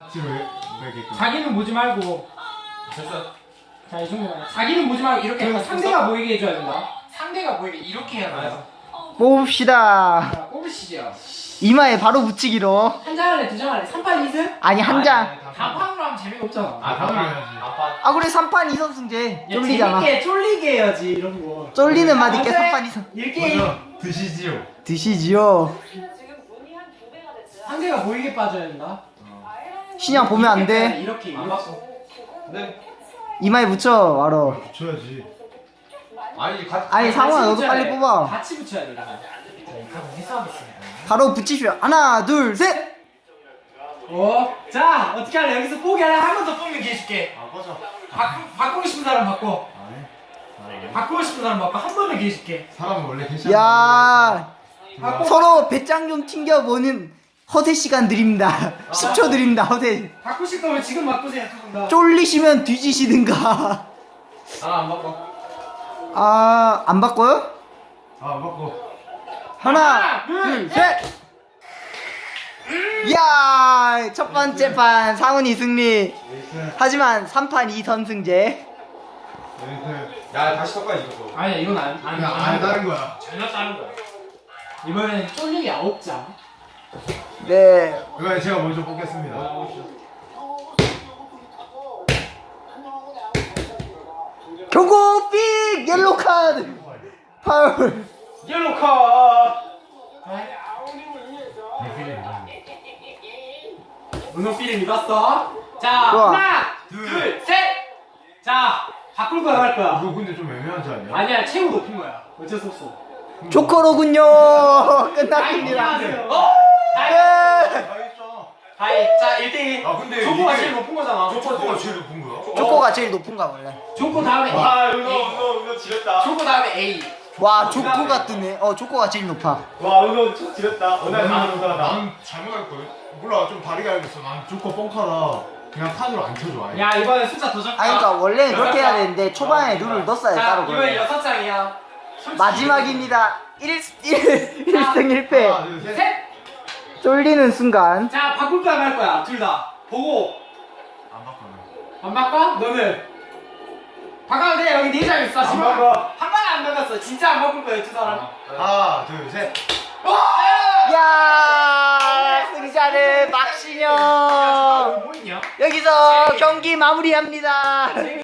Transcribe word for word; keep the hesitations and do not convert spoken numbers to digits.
자기는 보지 말고. 됐어. 자, 이 정도. 자기는 보지 말고 이렇게 해서 상대가 보이게 해줘야 된다. 상대가 보이게 이렇게 해야 돼요. 뽑읍시다. 자, 뽑으시죠. 이마에 바로 붙이기로. 한 장 안에 두 장 안에 삼 판 이 승? 아니 한 장. 다판으로 하면 재미가 없잖아. 아, 다음으로 해야지. 아빠. 아 그래 삼 판 이 선 승제. 쫄리잖아. 재밌게 쫄리게 해야지 이런 거. 쫄리는 맛 있게 삼 판 이 선. 이렇게 드시지요. 드시지요. 상대가 보이게 빠져야 된다. 신양 보면 안 돼. 이렇게 안 이렇게. 봤어. 네. 이마에 붙여 바로. 붙여야지. 아니, 같이. 아니 상훈아 같이 너도 붙여야 빨리 돼. 뽑아. 같이 붙여야 돼. 이거. 자, 이거 해소하겠습니다. 바로 붙이시오. 하나 둘 셋. 어? 자, 어떻게 할래? 여기서 포기할래? 한 번 더 뽑는 기회 줄게. 아 꺼져. 바꾸, 바꾸고 싶은 사람 바꿔. 아니. 바꾸고 싶은 사람 바꿔. 한 번더 기회 줄게. 사람은 원래 개시. 야 바꿔. 서로 배짱 좀 튕겨보는 허세 시간 드립니다. 십 초 드립니다. 허세. 바꾸실 거면 지금 바꾸세요. 두 분 다. 쫄리시면 뒤지시든가. 아, 안 바꿔. 아 안 바꿔요? 아 맞고. 하나 하나, 둘, 둘 셋. 야 첫 번째 판 상훈이 승리. 에이스. 하지만 삼 판 이 선 승제. 에이스. 야, 다시 섞어야지, 이거. 아니야, 이건 안, 안, 그냥 안 다른 거야. 전혀 다른 거야. 이번엔 쫄리기 아홉 장. 네. 이거 제가 먼저 뽑겠습니다. 경고 삑 옐로 카드. 파울. 옐로 카드. 은호 필름 입었어. 자, 좋아. 하나, 둘. 둘, 셋. 자, 바꿀 거야, 할 거야. 이거 근데 좀 애매하지 않냐? 아니야, 최고 높은 거야. 어쩔 수 없어. 조커로군요. 끝났습니다. 어? 다이. 네. 다 있잖아. 다이. 자, 일 대 일. 아 근데 조커가 이게- 제일 높은 거잖아. 조커가 제일 높은 거야? 조커가 제일 높은가 원래. 조커 다음에 A. 아, 은호, 은호, 은호 지렸다. 조커 다음에 A. 와 조커가 뜨네. 어 조커가 제일 높아. 와, 은호 저 지렸다. 어, 은호 난, 은호 난 잘못 알 거야. 몰라 좀 다르게 알겠어. 난 조커 뻥카라 그냥 칸으로 안 쳐줘 아예. 야, 이번엔 숫자 더 적다. 아 그러니까 원래는 그렇게 해야 되는데 초반에 룰을 넣었어야 돼 자, 따로. 이번엔 그러면. 여섯 장이야. 마지막입니다. 일 승 일 패. 하나 둘 셋. 셋. 쫄리는 순간. 자, 바꿀 거야, 말 거야. 둘 다. 보고. 안 바꿔. 안 바꿔? 너는? 바꿔도 돼. 여기 네 장 있어. 안 바꿔. 한 번에 안 바꿨어. 진짜 안 바꿀 거예요, 두 사람. 하나 둘 셋. 야 승자는 박신영. 뭐 있냐? 여기서 경기 마무리합니다.